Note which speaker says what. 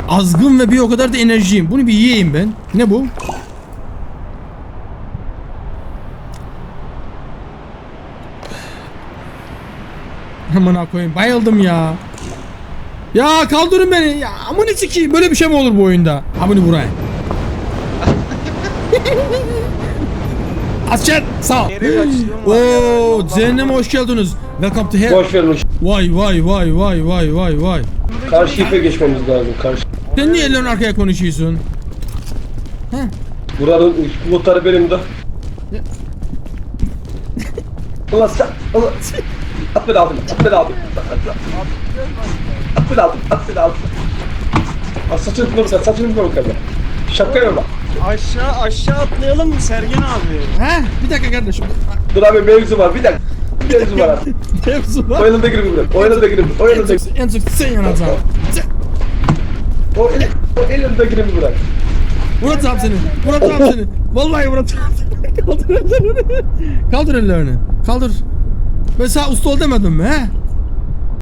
Speaker 1: azgın ve bir o kadar da enerjiyim. Bunu bir yiyeyim ben. Ne bu? Amına koyayım, bayıldım ya. Ya kaldırın beni. Ya amına sikeyim, böyle bir şey mi olur bu oyunda? Amına buraya. Açın sağ ol. Oo, cehenneme hoş geldiniz. Welcome to hell.
Speaker 2: Boş verin.
Speaker 1: Vay vay vay vay vay vay vay.
Speaker 2: Karşı ipe geçmemiz lazım. Karşı.
Speaker 1: Sen niye ellerin arkaya konuşuyorsun?
Speaker 2: Buranın muhtarı benim de. Allah sen. Allah. At beni aldım. At beni aldım. At beni aldım. At beni aldım. Saçını tutma sen. Saçını tutma bakalım. Şapka yorma.
Speaker 3: Aşağı atlayalım mı Sergen abi?
Speaker 1: He? Bir dakika kardeşim.
Speaker 2: Dur abi mevzu var. Bir dakika. Mevzu var abi.
Speaker 1: Mevzu
Speaker 2: O
Speaker 1: var.
Speaker 2: yanında girin buraya. O yanında girin. O yanında girin.
Speaker 1: En çok sen yanacaksın.
Speaker 2: O elinde girin buraya.
Speaker 1: Vuracağım seni. Vuracağım seni. Vallahi vuracağım seni. Kaldır ellerini. Kaldır ellerini. Kaldır. Ben sana usta ol demedim mi he?